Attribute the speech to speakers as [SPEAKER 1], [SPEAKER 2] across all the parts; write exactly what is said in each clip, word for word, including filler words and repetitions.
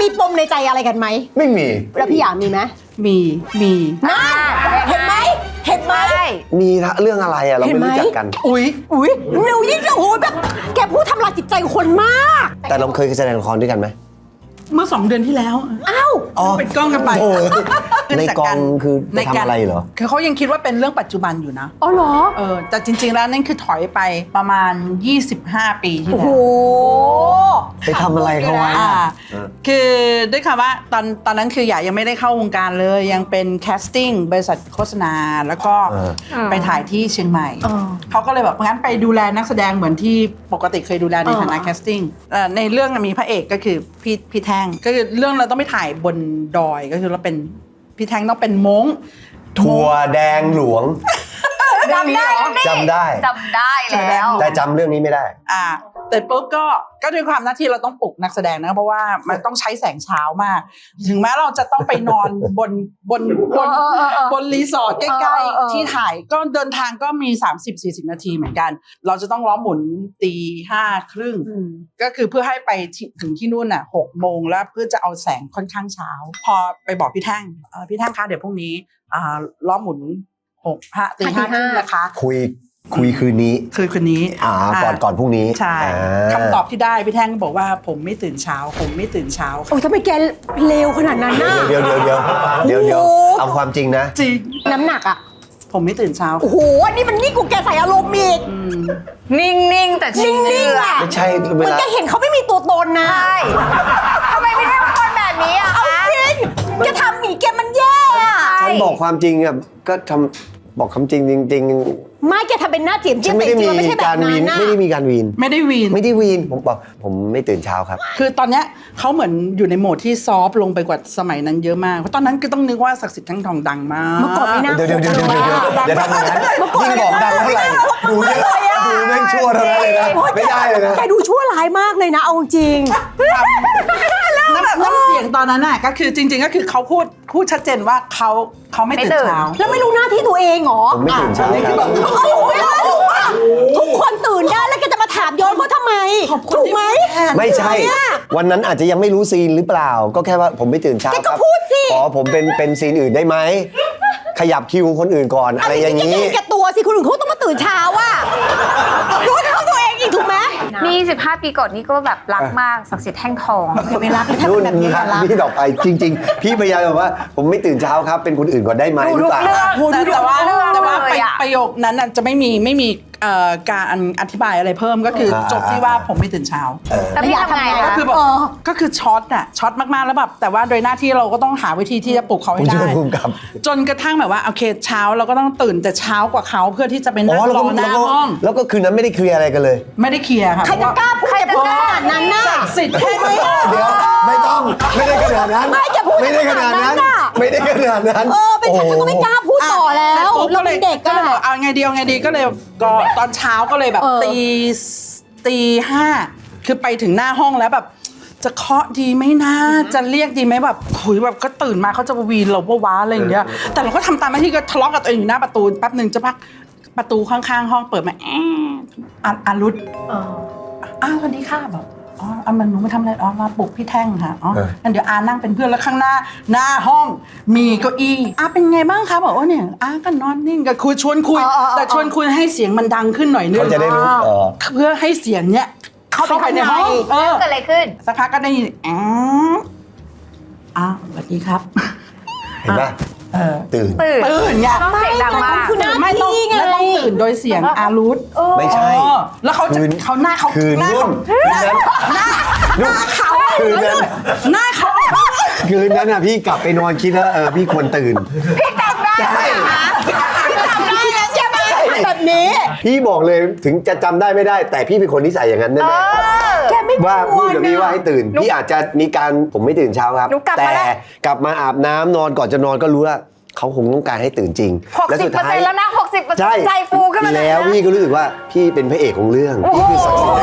[SPEAKER 1] ปมในใจอะไรกันไหม
[SPEAKER 2] ไม่มี
[SPEAKER 1] แล้วพี่อยากมีไหม
[SPEAKER 3] มีมี
[SPEAKER 1] นะเห็นไหมเห็นไหม
[SPEAKER 2] มีเรื่องอะไรอะเราไม่รู้จักกัน
[SPEAKER 1] อุ้ยอุ้ยเร็วยิ่งโอ้ยแบบแกพูดทำลายจิตใจคนมาก
[SPEAKER 2] แต่เราเคยแสดงละครด้วยกันไหม
[SPEAKER 3] เมื่อสองเดือนที่แล้ว
[SPEAKER 1] อ้าว
[SPEAKER 3] เป็นกล้องกันไป
[SPEAKER 2] ในกองคือไปทำอะไรเหรอ
[SPEAKER 3] คือเขายังคิดว่าเป็นเรื่องปัจจุบันอยู่นะ
[SPEAKER 1] อ๋อเหรอ
[SPEAKER 3] เออแต่จริงๆแล้วนั่นคือถอยไปประมาณยี่สิบห้าปีที่แล้ว
[SPEAKER 1] โอ้โห
[SPEAKER 2] ไปทำอะไรเขาไว้
[SPEAKER 3] คือด้วยคำว่าตอนตอนนั้นคืออยากยังไม่ได้เข้าวงการเลยยังเป็นแคสติ้งบริษัทโฆษณาแล้วก็ไปถ่ายที่เชียงใหม่เขาก็เลยแบบงั้นไปดูแลนักแสดงเหมือนที่ปกติเคยดูแลในฐานะแคสติ้งในเรื่องมีพระเอกก็คือพี่พี่แท่งก็คือเรื่องเราต้องไปถ่ายบนดอยก็คือเราเป็นพี่แท่งต้องเป็นม้ง
[SPEAKER 2] ถั่วแดงหลวง
[SPEAKER 4] จำได้
[SPEAKER 2] จำได้
[SPEAKER 4] จำได้แล้ว
[SPEAKER 2] แต่จำเรื่องนี้ไม่ได้
[SPEAKER 3] อ่าแต่ปุ๊บก็ก็ด้วยความหน้าที่เราต้องปลุกนักแสดงนะเพราะว่ามันต้องใช้แสงเช้ามากถึงแม้เราจะต้องไปนอนบนบนบนบนรีสอร์ทใกล้ๆที่ถ่ายก็เดินทางก็มี สามสิบถึงสี่สิบ นาทีเหมือนกันเราจะต้องล้อหมุนตีห้าครึ่งก็คือเพื่อให้ไปถึงที่นู่นน่ะหกโมงแล้วเพื่อจะเอาแสงค่อนข้างเช้าพอไปบอกพี่แท่งพี่แท่งคะเดี๋ยวพรุ่งนี้อ่าล้อหมุนหกห้าตีห้าครึ่งนะคะ
[SPEAKER 2] คุยคุยคืนนี้
[SPEAKER 3] คืนคืนนี้
[SPEAKER 2] อ่าก่อนก่อนพรุ่งนี้
[SPEAKER 3] ใช่คำตอบที่ได้พี่แท่งบอกว่าผมไม่ตื่นเช้าผมไม่ตื่นเช้า
[SPEAKER 1] โอ้ทำไมแกเลวขนาดนั้นน่ะ
[SPEAKER 2] เดี๋ยวเดี๋ยวเดี๋ยวเดี๋ยวเดี๋ยวเอาความจริงนะ
[SPEAKER 3] จริง
[SPEAKER 1] น้ำหนักอ่ะ
[SPEAKER 3] ผมไม่ตื่นเช้า
[SPEAKER 1] โอ้โหนี่มันนี่กูแกใส่อารมณ์อีก
[SPEAKER 4] นิ่งๆแต่
[SPEAKER 1] นิ่งๆอ่ะ
[SPEAKER 2] ไม่ใช่เวลา
[SPEAKER 1] แกเห็นเขาไม่มีตัวตนนะ
[SPEAKER 4] ใช่ทำไมไม่ได้เป็นคนแบบนี้อ่ะ
[SPEAKER 1] เอาจริงแกทำหนีแกมันแย่อ่ะ
[SPEAKER 2] ฉันบอกความจริงอ่ะก็ทำบอกคำจริงจริงๆ
[SPEAKER 1] ไม่แกทำเป็นหน้าเจียมเจียมแต่จริงๆไม่ใช่แบบนั้นนะ
[SPEAKER 2] ไม่ได้มีการวีน
[SPEAKER 3] ไม่ได้วีน
[SPEAKER 2] ไม่ได้วีนผมบอกผมไม่ตื่นเช้าครับ
[SPEAKER 3] คือตอนเนี้ยเขาเหมือนอยู่ในโหมดที่ซอฟลงไปกว่าสมัยนั้นเยอะมากเพราะตอนนั้นคือต้องนึกว่าศักดิ์สิทธิ์ทั้งทองดังมาก
[SPEAKER 1] เมื่อก่อนไม่น่า
[SPEAKER 2] เดี๋ยวเดี๋ยวเดี๋ยวเดี๋ยวเดี๋ยวอย่าทำอย่างนั้นยิ่งบอกดังเท่าไหร่ดูเนี่ยดูแม่งชั่วเท่านั้นเลยนะไม่ได้เลยนะ
[SPEAKER 1] แกดูชั่วร้ายมากเลยนะเอาจริง
[SPEAKER 3] น้ำน้ำเสียงตอนนั้นน่ะก็คือจริงๆก็คือเขาพูดพูดชัดเจนว่าเขาเขาไม่ตื่นเช้า
[SPEAKER 1] แล้วไม่รู้หน้าที่ตัวเองเหรอ
[SPEAKER 2] ผมไม่ตื่นเช้าครับ
[SPEAKER 1] ทุกคนตื่นได้แล้วแกจะมาถามย้อนเขาทำไมถูกไหม
[SPEAKER 2] ไม่ใช่วันนั้นอาจจะยังไม่รู้ซีนหรือเปล่าก็แค่ว่าผมไม่ตื่นเช้าครับขอผมเป็นเป็นซีนอื่นได้ไหมขยับคิวคนอื่นก่อนอะไรอย่างนี้
[SPEAKER 1] แกตัวสิคนอื่นเขาต้องมาตื่นเช้าว่ะรู้เท่าตัวเองอีกถูกไหม
[SPEAKER 4] นี่สิบห้าปีก่อนนี่ก็แบบรักมากศักดิ์สิทธิ์แท่งทอง
[SPEAKER 1] ไม่รักถ้าเป็นแบบนี้รัก
[SPEAKER 2] พี่ต่อไปจริงๆพี่พยายามบอกว่าผมไม่ตื่นเช้าครับเป็นคนอื่นก่อนได้ไหมหรือเปล่า
[SPEAKER 3] แต่ว่าแต่ว่าประโยคนั้นจะไม่มีไม่มีการอธิบายอะไรเพิ่มก็คือจบที่ว่าผมไม่ตื่นเช้า
[SPEAKER 4] แต่พี่ทำไง
[SPEAKER 3] ก็คือแบบก็คือช็อตอะช็อตมากๆแล้วแบบแต่ว่าโดยหน้าที่เราก็ต้องหาวิธีที่จะปลุกเขาให้ได้จนกระทั่งแบบว่าโอเคเช้าเราก็ต้องตื่นแต่เช้ากว่าเขาเพื่อที่จะไปนั่งรอหน้าห้อง
[SPEAKER 2] แล้วก็คืนนั้นไม่ได้เคลียร์อะไรกันเลย
[SPEAKER 3] ไม่ได้เคลียร์ค่ะ
[SPEAKER 1] ใครจะกล้าพูดจะพูดขนาดนั้นน่ะ
[SPEAKER 3] สิทธิ์แค่
[SPEAKER 2] นี้เดี๋ยวไม่ต้องไม่ได้ขนาดนั้นไม่ได้ขนาดนั้นไม่ได้ขนาดนั้น
[SPEAKER 1] เออเป็นฉันก็ไม่กล้าพูดต่อแล้วเราเป็นเด็ก
[SPEAKER 3] ก็เลยบอกเอาไงดีเอาไงดีก็เลยก็ตอนเช้าก็เลยแบบตีตีห้าคือไปถึงหน้าห้องแล้วแบบจะเคาะดีไหมนะจะเรียกดีไหมแบบหุยแบบก็ตื่นมาเขาจะวีนเราว่าว้าอะไรอย่างเงี้ยแต่เราก็ทำตามหน้าที่ก็ทะเลาะกับตัวเองอยู่หน้าประตูแป๊บหนึ่งจะพักประตูข้างๆห้องเปิดมาแอะอารุธอ้าวสวัสดีค่ะแบบอ๋ออามันหนูมาทำอะไรอ๋อมาปลุกพี่แท่งค่ะอ๋องั้นเดี๋ยวอานั่งเป็นเพื่อนแล้วข้างหน้าหน้าห้องมีเก้าอี้อาเป็นไงบ้างคะบอกว่าเนี่ยอาก็นอนนิ่งก็คุยชวนคุยแต่ชวนคุยให้เสียงมันดังขึ้นหน่อยนึง
[SPEAKER 2] เขาจะได้รู้
[SPEAKER 3] เพื่อให้เสียงเนี้ยเข้าไปในห้อง
[SPEAKER 4] เกิดอะไรขึ้น
[SPEAKER 3] สักพักก็ได้ยินอ๋ออ้าวสวัสดีครับ
[SPEAKER 2] เห็นป่ะตื่น
[SPEAKER 4] ตื่น
[SPEAKER 3] ตื่นไง
[SPEAKER 4] ต้องเสียงดังมาก
[SPEAKER 3] ไม่ต้องไม่ต้องตื่นโดยเสียงอารุธ
[SPEAKER 2] ไม่ใช่
[SPEAKER 3] แล้วเขาจะเขาหน้าเขา
[SPEAKER 2] หน้าเขาหน้า
[SPEAKER 3] หน้าเขาหน้าเขา
[SPEAKER 2] คืนนั้นอ่ะพี่กลับไปนอนคิดแล้วเออพี่ควรตื่น
[SPEAKER 4] พี่จำได้
[SPEAKER 1] ใช่ใช่ไหมแบบนี้
[SPEAKER 2] พี่บอกเลยถึงจะจำได้ไม่ได้แต่พี่เป็นคนนิสัยอย่างนั้นแน่ๆว่าพูดกับพี่ว่าให้ตื่นพี่อาจจะมีการผมไม่ตื่นเช้าครับแต่กลับมาอาบน้ำนอนก่อนจะนอนก็รู้ว่าเขาคงต้องการให้ตื่นจริง
[SPEAKER 4] และสุดท้ายแล้วนะหกสิบเปอร์เซ็นต์ใจฟูขึ้นมา
[SPEAKER 2] แล้วพี่ก็รู้สึกว่าพี่เป็นพระเอกของเรื่องพี่คือศักดิ์ศรี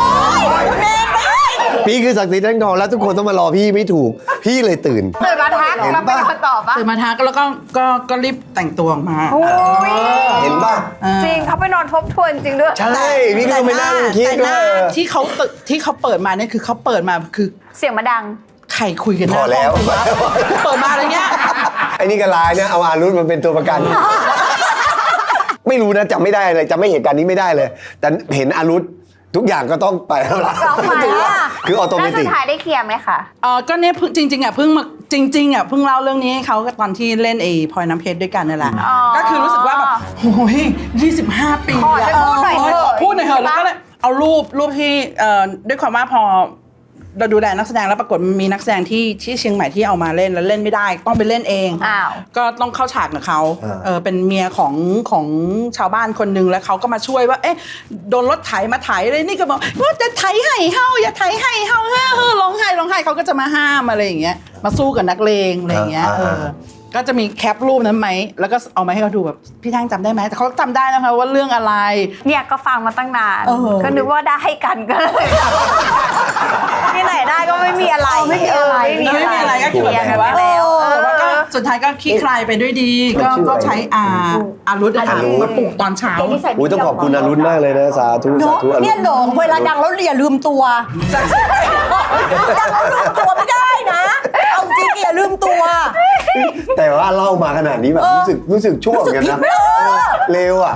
[SPEAKER 2] พี่คือศักดิ์ศรีแท่งทองแล้วทุกคนต้องมารอพี่ไม่ถูกพี่เลยตื่น
[SPEAKER 4] ตื่นมาทักมาเป็นคำตอบปะ
[SPEAKER 3] ตื่นมาทักแล้วก็ก็ก็รีบแต่งตัวออกมา
[SPEAKER 2] เห็นป่ะ
[SPEAKER 4] จริงเขาไปนอนทบทวนจริงด้วย
[SPEAKER 2] ใช่พี่ก็ไม่นั่งคิดว่า
[SPEAKER 3] ที่เขาที่เขาเปิดมาเนี่ยคือเขาเปิดมาคือ
[SPEAKER 4] เสียงมาดัง
[SPEAKER 3] ใครคุยกัน
[SPEAKER 2] พอแล้ว
[SPEAKER 3] เปิดมาอะไรเงี้ย
[SPEAKER 2] ไอ้นี่ก็ลายเนี่ยเอาอารุธมันเป็นตัวประกัน ไม่รู้นะจำไม่ได้เลยจำไม่เหตุการณ์นี้ไม่ได้เลย แต่เห็นอารุธทุกอย่างก็ต้องไปแล้วล่ะ
[SPEAKER 4] ร้องไปอ่ะ
[SPEAKER 2] คือออโตเม
[SPEAKER 4] แล้ว
[SPEAKER 2] ติ
[SPEAKER 4] สุ
[SPEAKER 2] ก
[SPEAKER 4] ดท้ายได้เคลียร์ไหมคะ
[SPEAKER 3] เออก็เนี่ยเพิ่งจริงๆอ่ะเพิ่งมาจริงๆอ่ะเพิ่งเล่าเรื่องนี้ให้เขาตอนที่เล่นไอ้พลอยน้ำเพชรด้วยกันนี่แหละ
[SPEAKER 4] อ๋อ
[SPEAKER 3] ก็คือรู้สึกว่าแบบโอ้ยยี่สิบห้าปี
[SPEAKER 4] ขอให้พูดหน่อยเถอะ
[SPEAKER 3] ขพูดหน่อยเถอะแล้วก็เลยเอารูปรูปที่เอ่อด้วยความว่าพอเราดูแลนักแสดงแล้วปรากฏมีนักแสดงที่ที่เชียงใหม่ที่เอามาเล่นแล้วเล่นไม่ได้ต้องไปเล่นเอง
[SPEAKER 4] อ้าว
[SPEAKER 3] ก็ต้องเข้าฉากกับเขา
[SPEAKER 2] อ่า
[SPEAKER 3] เออเป็นเมียของของชาวบ้านคนหนึงแล้วเขาก็มาช่วยว่า เอ๊ะโดนรถไถมาไถเลยนี่ก็บอกว่าจะไถให้เฮาอย่าไถให้เฮาเฮ้อเฮ้อร้องไห้ร้องไห้เขาก็จะมาห้ามอะไรอย่างเงี้ยมาสู้กับนักเลงอะไรอย่างเงี้ยเออก็จะมีแคปรูปนั้นไหมแล้วก็เอามาให้เขาดูแบบพี่ทั้งจำได้ไหมแต่เขาจำได้นะคะว่าเรื่องอะไร
[SPEAKER 4] เนี่ยก็ฟังมาตั้งนาน
[SPEAKER 1] เออ
[SPEAKER 4] ก็นึกว่าได้กันก็เลย ที่ไหนได้ก็ไม่มีอะไร
[SPEAKER 1] ไม่มีอะไร
[SPEAKER 4] เไม่
[SPEAKER 3] ไม่มีอะไรก็
[SPEAKER 4] เคลียร์กันไปแล้ว
[SPEAKER 3] แต่ว่าก็สุดท้ายก็คลี่คลายไปด้วยดี ก็ก็ใช้อาอารุธอะค่ะมาปลุกตอนเช้า
[SPEAKER 2] อุ้ยต้องขอบคุณอารุธมากเลยนะสาธุสา
[SPEAKER 1] เนาะ
[SPEAKER 2] ธุอารุ
[SPEAKER 1] เนี่ย
[SPEAKER 2] ธ
[SPEAKER 1] หลงเวลาดังแล้วอย่าลืมตัวดังแล้วลืมตัวไม่ได้นะ เอาจริงอย่าลืมตัว
[SPEAKER 2] แต่ว่าเล่ามาขนาดนี้แบบรู้สึกรู้สึกชั่วเหมือนกันนะ
[SPEAKER 1] รู้สึกผิด
[SPEAKER 2] เร็วอ่ะ